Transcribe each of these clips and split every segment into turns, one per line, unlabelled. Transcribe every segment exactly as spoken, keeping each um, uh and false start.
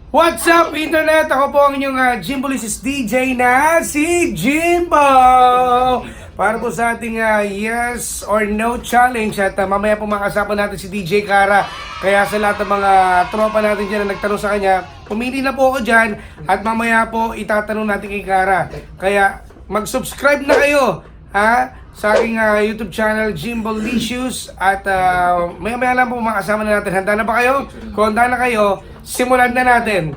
What's up, Internet? Ako po ang inyong uh, Jimbolysis D J na si Jimbo! Para po sa ating uh, yes or no challenge at uh, mamaya po makasapan natin si D J Kara. Kaya sa lahat ng mga tropa natin dyan na nagtanong sa kanya, pumili na po ako dyan at mamaya po itatanong natin kay Kara. Kaya mag-subscribe na kayo ha, sa aking uh, YouTube channel Jimbolysis at uh, maya-maya lang po makasama na natin. Handa na ba kayo? Kung handa na kayo, simulan na natin.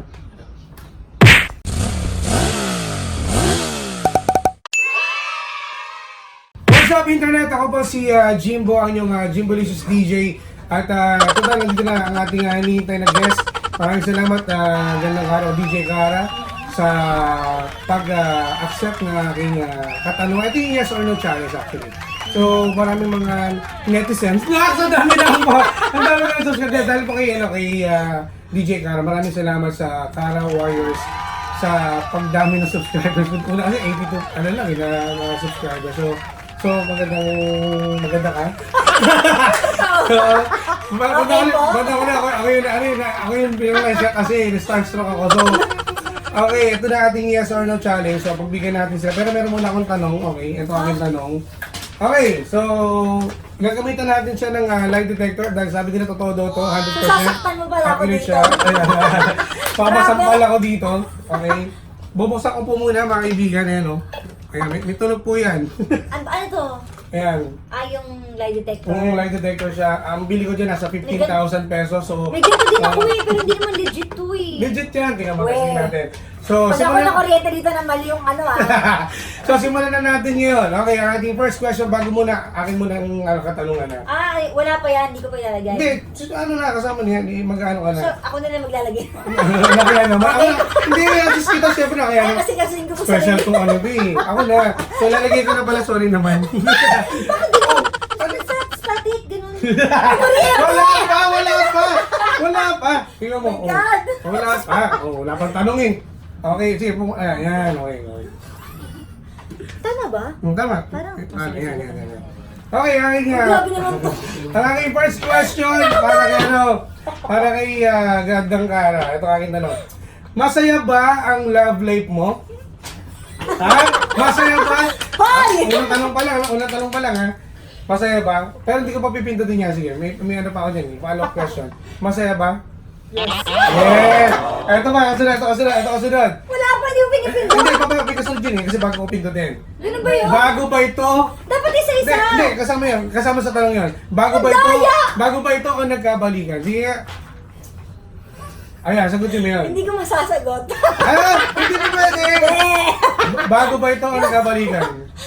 What's up, Internet? Ako po si uh, Jimbo, ang inyong uh, Jimbolysis D J. At uh, total, nandito na ang ating uh, hinihintay na guest. Maraming salamat, uh, gandang araw, D J Kara, sa pag-accept uh, ng aking uh, katanungan. Ito yung yes or no challenge actually. So, maraming mga netizens. Lahat sa dami na po. Ang dami na subscribe dahil po kay, ano, kay uh, D J Kara. Maraming salamat sa Kara Warriors sa pagdami ng subscribers. Una kasi eighty-two, ano lang, eh, na uh, subscribers. So, so magandang, maganda ka. So, maganda ko na, maganda ko na, ako, ako yun, ano yun, ako yun, pinag siya kasi, na-starstruck ako. So, okay, ito na ating yes or no challenge. So, pagbigyan natin sila. Pero meron muna akong tanong. Okay, ito aking tanong. Okay, so, gagamitan natin siya ng uh, lie detector dahil sabi nila totoo daw to, one hundred percent.
Sasaktan mo pala ako
Accurate
dito.
siya. Ayan. Papasampal ako dito. Okay. Bubuksan ko po muna mga kaibigan. Ayan, no? Ayan, may, may tunog po yan.
Ano, ano to?
Ayan.
Ah, yung lie detector.
Kung lie detector siya, ang bili ko dyan nasa fifteen thousand pesos. So,
May ganito din ako
uh,
eh, pero hindi naman legit to eh.
legit yan. Tingnan mo,
Weh.
testing natin. So,
Pag ako
simulan-
na kuryente dito na mali yung ano ah.
So, simulan na natin ngayon. Okay, ang ating first question bago muna, akin muna ang uh, katanungan na.
Ah, wala pa yan, hindi ko pa ilalagay.
Hindi, so, ano na, kasama niya, eh, mag-ano ka na.
So, ako na lang maglalagay.
Nakaya naman. Ako, hindi, assist kita siyempre na kaya.
Ay, kasi kasi ko po
Special
sarili.
kung ano ba eh. Ako na. So, lalagay ko na pala, sorry naman.
Bakit ganun? Ano sa static, ganun? Ano rin?
Wala pa, wala pa. Wala pa. Tingnan mo.
Oh my God.
Oh, wala pa. Oh, wala pang tanong eh. Okay, sige. Pum- ayan, yan. Okay, okay.
Tama ba?
Hmm, tama.
Parang-
Ah, yan, yan, yan, yan. Okay, aking nga.
Grabe naman to.
Ang aking first question para kay ano, para kay uh, Gandang Kara. Ito ang aking tanong. Masaya ba ang love life mo? Ha? Masaya ba?
Hoy!
Ah, unang tanong pa lang, unang tanong pa lang ha. Masaya ba? Pero hindi ko pa pipindutin niya. Sige, may, may ano pa ako dyan. Follow-up question. Masaya ba?
Yes.
Yes! Ito ba? Kasunod, ito kasunod, ito kasunod.
Wala pa, hindi ko pinipindot.
Hindi, papaya, may kasunod yun eh. Kasi bago ko pindutin.
Ganun ba yun?
Bago ba ito?
Dapat
Hindi,
isa-isa.
hindi, kasama yun. Kasama sa tanong yun. Bago ba
Ang
ito?
daya!
Bago ba ito o nagkabalikan? Sige nga. Ayan, sagutin mo yun.
Hindi ko masasagot.
Ah, hindi na pwede.
Eh!
Bago ba ito o nagkabalikan?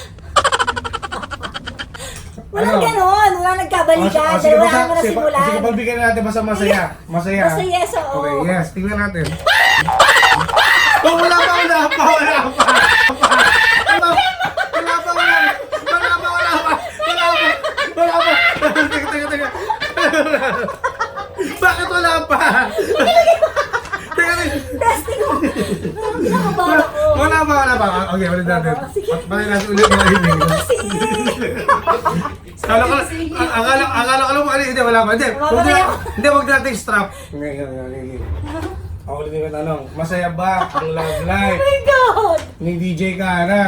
Walang
Ano?
ganon, walang nagkabalikan.
O, sige,
Dalawa mo na
sige,
simulan.
sige, pagbigyan natin basta masaya. Masaya.
Basta yes, oo.
Okay, yes. Tingnan natin. Oh, wala pa, wala pa, wala pa. Wala pa, wala pa, wala pa. Wala pa, wala pa. Wala pa, wala pa. Teka, teka, teka. Bakit wala pa? Teka, teka.
Testing mo. Parang kinakabahan ako.
Wala pa, wala pa. Okay, ulit natin.
Sige.
Bakit natin ulit mga ibig?
Kasi,
Akala ko, ang- akala, akala ko lang ano, hindi, wala pa. Hindi,
Wala
wag
pa
na,
yan.
hindi, wag natin strap. Ngayon, ngayon, ngayon. Ako ulit yung tanong, masaya ba ang love life
oh my God!
ni D J Kara?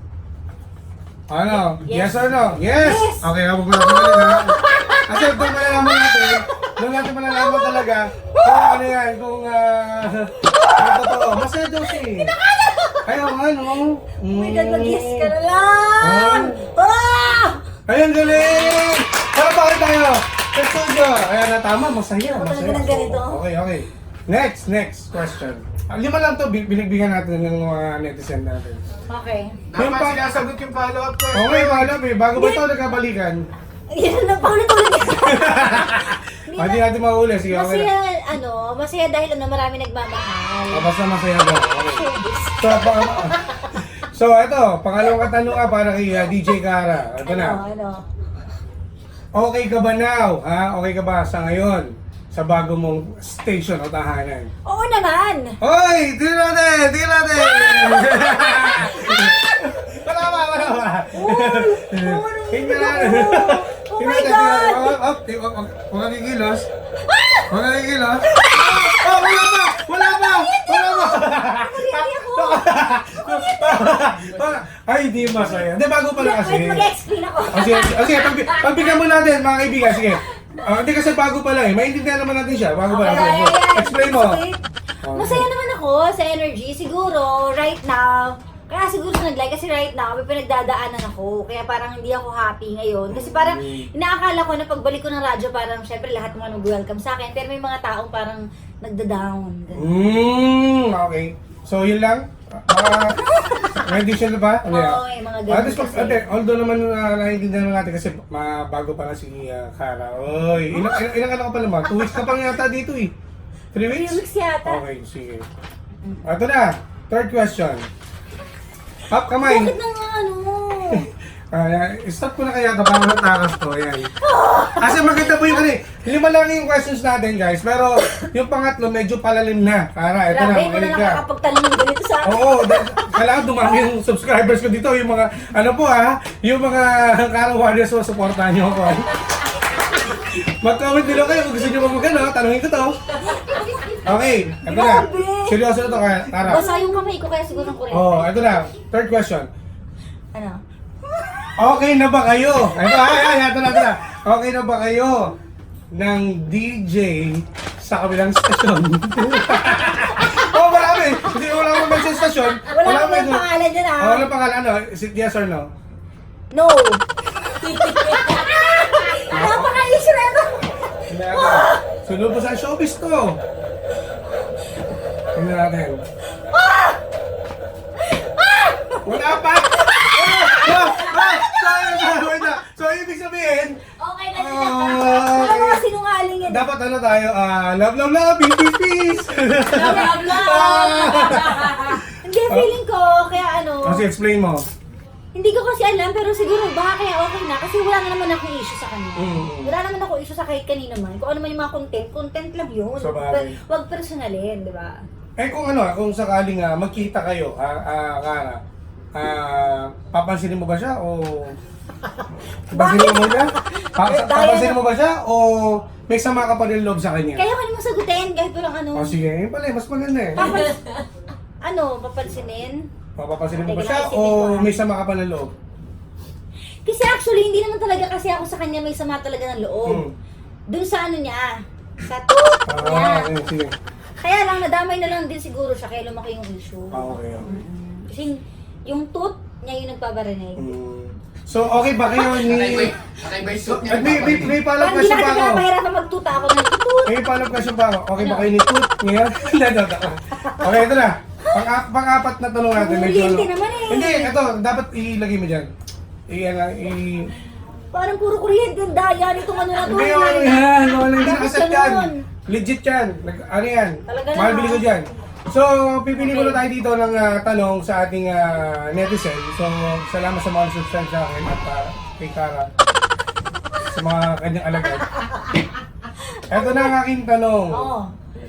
Ano? Yes,
Yes.
or no? Yes!
Yes.
Okay, habang ko natin ulit ha. Kasi doon malalaman natin, doon natin malalaman talaga kung ano yan, kung ah, uh, totoo. Masaya daw siya eh. Ayaw nga, no?
Oh my God, mag-yes ka na lang! Ah!
Ayun, galing! Para pa rin tayo! Sa studio! Ayan na, tama, masaya,
Ako
masaya.
talaga ng ganito.
Okay, okay. Next, next question. Ah, lima lang to, bin- binigbigyan natin ng mga netizen natin.
Okay.
Yung pa,
sinasagot yung follow-up question.
okay, wala eh. Bago ba ito nagkabalikan?
Yan na, paulit-ulit.
Ah, Hindi natin mahuli. Sige, okay.
Masaya, ano, masaya dahil ano, marami nagmamahal.
Ah, basta masaya daw. Okay.
Showbiz.
So, pa, so, ito, pangalawang katanungan para kay uh, D J Kara. Ito na.
Ano, ano?
Okay ka ba now? Ha? Okay ka ba sa ngayon? Sa bago mong station o tahanan?
Oo naman!
Hoy! Tingnan natin! Tingnan natin! Wala pa! Wala pa! Tingnan natin!
Oh my God!
Huwag kang kikilos. Huwag kang kikilos. Oh, wala pa! Wala pa! Ay, hindi masaya. Hindi, bago pala kasi.
Wait, mag-explain ako.
O sige, o sige, pag, pagbigyan mo natin, mga kaibigan, sige. Ah, hindi kasi bago pa lang eh. Maintindihan naman natin siya. Bago pa lang.
Okay,
Sige,
ay, ay,
explain mo.
okay. Masaya naman ako sa energy. Siguro, right now, kaya siguro nag-like kasi right now, may pinagdadaanan ako. Kaya parang hindi ako happy ngayon. Kasi parang inaakala ko na pagbalik ko ng radyo, parang syempre lahat mga nag-welcome sa akin. Pero may mga taong parang nagda-down. ganun.
Hmm, okay. So, yun lang? Ah, may additional ba? Ano yan?
Oo, may mga
Ah,
ganun
this pag-
kasi.
ate, although naman uh, naiintindihan naman natin kasi ma- bago pa lang si uh, Kara. Oy, ilang, ilang, ilang ano ka pa naman? Two weeks ka pang yata dito eh. Three weeks?
Three weeks yata.
Okay, sige. Ito na, third question. Pop, kamay.
Bakit nang ano?
Ah, stop ko na kaya ito para matakas ko. Ayan. Kasi maganda po yung ano eh. Lima lang yung questions natin guys. Pero yung pangatlo medyo palalim na. Kara, ito na.
Grabe, ko na
makinig ka.
nakakapagtanong ng ganito sa akin.
Oo, dahil- kailangan dumami yung subscribers ko dito. Yung mga, ano po ha, yung mga Kara Warriors mo, supportahan nyo ako. Mag-comment below kayo kung gusto nyo mag ano, tanungin ko to. Okay, ito na.
Grabe.
Seryoso na to, Kara.
Basa yung kamay ko kaya siguro ng kurente.
Oh, ito na. Third question.
Ano?
Okay na ba kayo? Ito, ay, ay, ito na, ito na. Okay na ba kayo ng D J sa kabilang stasyon? Oh, marami. Hindi, wala mo mention stasyon.
Wala akong
mention-
pangalan dyan ah.
Oh, wala pangalan. Ano? Is it yes or no?
No. Napaka-issue na ito.
Hindi ako. Sunod po sa showbiz to. Tingnan natin. Wala pa! Ah! Ah! Ah! Wait na. So, ibig sabihin,
Okay na
Ah,
sila. Wala
okay.
mga sinungaling yan.
dapat ano tayo, ah, love, love, love, peace, peace, peace.
Blah, blah. Hindi, feeling ko, kaya ano,
Kasi explain mo.
hindi ko kasi alam, pero siguro baka kaya okay na. Kasi wala na naman akong issue sa kanya.
Mm.
Wala naman ako issue sa kahit kanina man. Kung ano man yung mga content, content lang yun.
Sa bagay.
Pero wag personalin, di ba?
Eh kung ano, kung sakaling ah, magkita kayo, ah, ah, Kara, ah, papansinin mo ba siya o... Papansinin mo siya? Pa-
Eh, dahil-
papansinin mo ba siya o may sama ka pa rin loob sa kanya?
Kaya ko naman sagutin, kahit walang ano.
O sige, yun pala, eh, mas maganda eh.
Papans- ano, papansinin?
Papapansinin mo ba
Teka,
siya
naisipin ko,
o
ah.
may sama ka pa ng loob?
Kasi actually, hindi naman talaga kasi ako sa kanya may sama talaga ng loob.
Hmm.
Dun sa ano niya, sa toot niya.
Ah, okay, sige.
Kaya lang, nadamay na lang din siguro siya kaya lumaki yung issue.
Ah, okay, okay.
Mm. Kasi yung toot niya yung nagpaparinig.
Hmm. So, okay ba kayo ni...
Okay ba yung
So,
suit niya?
at may, may, may follow-up
Parang hindi
question
na
pa
kasi
ako.
pinapahirapan magtuta ako ng toot.
May follow-up question pa ako. Okay ba kayo ni Toot? Ngayon? Hindi, ito, ito. Okay, ito na. Pang- pang-apat na tanong natin. Medyo
Kuryente
ano.
naman eh.
Hindi, ito. Dapat ilagay mo dyan. I, ano, i...
Parang puro kuryente ang daya nitong ano na to.
Hindi, ano yan. Wala, hindi
Dapat
nakaset yan.
ganun.
Legit yan. Nag, ano yan.
Talaga
Mahal
na,
bili
ha?
ko dyan. So, pipili
Okay.
muna tayo dito ng ah, tanong sa ating ah, netizen. So, salamat sa mga subscribe sa akin at ah, kay Kara sa mga kanyang alagad. Ito na ang aking tanong.
Oo.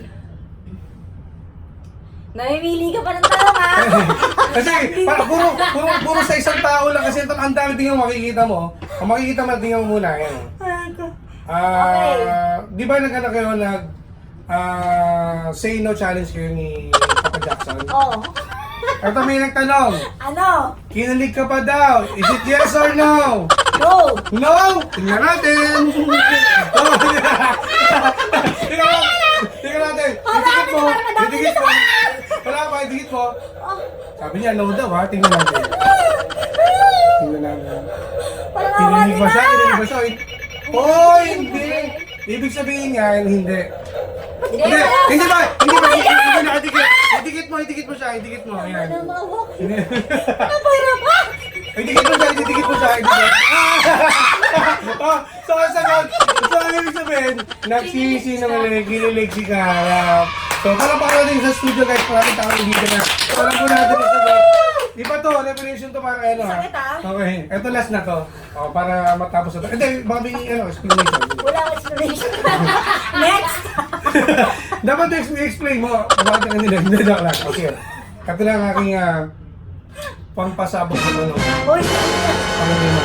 Namimili ka pa ng tanong ha?
Kasi para, puro, puro, puro sa isang tao lang kasi ito ang dami tingnan mo makikita mo. Ang makikita mo tingnan mo muna. Yan. Ah,
Okay.
di ba nag ano kayo nag ah, say no challenge kayo ni Papa Jackson?
Oo.
Ito may nagtanong.
Ano?
Kinalig ka pa daw. Is it yes or no?
No!
No! Tingnan natin! Oh, Tingnan Tingnan natin! Idikit mo! Idikit mo! Wala pa, idikit mo!
Oh,
Sabi niya, no daw ha? Tingnan natin. Tingnan natin.
parang awa
Kinilig ba siya?
nila!
Kinilig ba siya? Oh, hindi! Ibig sabihin niya, hindi. Hindi! Hindi ba? Hindi ba? Hindi na idikit! Idikit mo, idikit mo siya, idikit mo. Ayan.
Ano mga walk?
Hindi.
Napahirap ka!
Idikit mo siya, idikit mo siya, idikit. Oh, so ang sagot, so ang ibig sabihin, nagsisinungaling, kinilig si Kara. So parang pa natin sa studio guys, maraming tao dito na. So alam po natin yung sagot. Di ba to, revelation to para ano ha?
Sakit, ah.
Okay, eto last na to. O, para matapos na to. Hindi, baka may ano, explanation.
Wala akong explanation. Next!
Dapat i- explain mo, bakit ang nila, hindi joke lang. Okay, ito lang ang aking uh, pampasabog sa ano.
Uy!
Ano mo?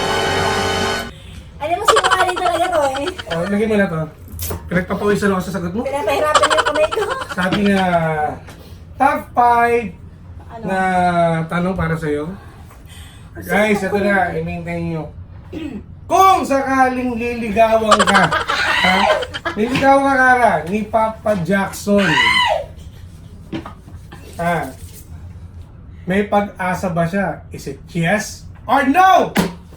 Alam mo, sinungaling talaga to eh.
O, lagyan mo na to. Pinagpapawisan ako sa sagot mo.
Pinapahirapan niyo yung kamay ko.
Sabi nga, top five
Ano?
na tanong para sa'yo. Guys, ito na, i-maintain nyo. Kung sakaling liligawan ka, ha? Liligawan ka, Kara, ni Papa Jackson. Ha? May pag-asa ba siya? Is it yes or no?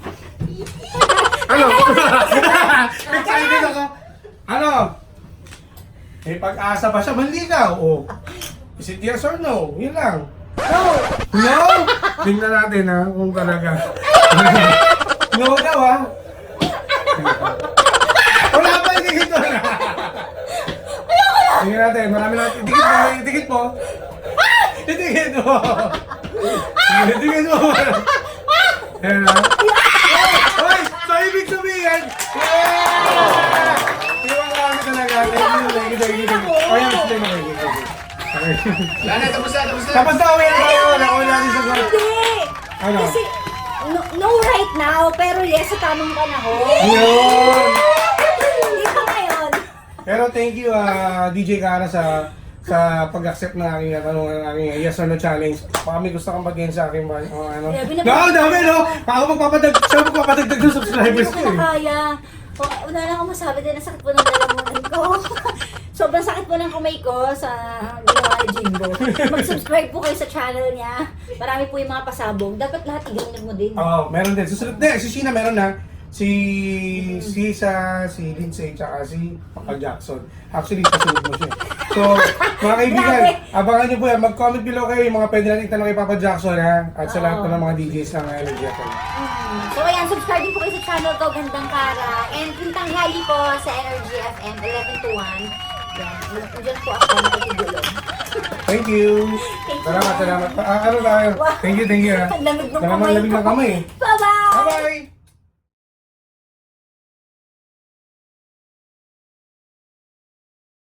Ano? Excited ako. Ano? May pag-asa ba siya manligaw? O, is it yes or no? Yun lang.
No!
No? Tingnan natin ha, kung talaga. No daw ha? Wala pa, itikit mo na. Tingnan natin, marami na. Itikit mo, itikit mo. Itikit mo. Itikit mo. Ayan ha. Hoy, so ibig sabihin, yeah! Iwan kami talaga. Thank you, thank you, thank you, thank you. O yan, explain mo, thank you, thank you.
Lana, tapos na, tapos na.
Tapos na, uwi na tayo. Nakuha natin sa goal.
Hindi!
Ano?
Kasi, no, no right now, pero yes sa tamang panahon.
Yun!
Hindi pa ngayon.
Pero thank you, ah, D J Kara, sa sa pag-accept ng aking tanong, ng aking yes or no challenge. Baka may gusto kang bagyan sa akin ba? O ano?
Grabe na-
No, dami, no? Baka magpapadag, siya magpapadagdag ng subscribers ko
Hindi ko
eh.
na kaya. O, Una lang ako masabi din, ang sakit po ng lalamunan ko. Sobrang sakit po ng kamay ko sa ginawa ni Jimbo. Mag-subscribe po kayo sa channel niya. Marami po yung mga pasabog. Dapat lahat i-download mo din.
Oo, meron din. Susunod, di, si Sheena meron na. Si si sa si Lindsay tsaka si Papa Jackson. Actually, kasunod mo siya. So, mga kaibigan,
Grabe.
abangan niyo po yan. Mag-comment below kayo yung mga pwede natin itanong kay Papa Jackson, ha? At sa
Oo.
lahat po ng mga D Js ng Energy F M.
Mm. So ayan, subscribe din po kayo sa channel ko, Gandang Kara. And yung tanghali po sa Energy F M, eleven to one. Yan, nandiyan po ako, nakikigulo.
Thank you.
Thank you.
Salamat, salamat. Ah, ano tayo? Thank you, thank you, ha?
Ang lamig ng
Malamang
kamay
lamig
ko.
ng kamay.
Bye-bye!
Bye-bye!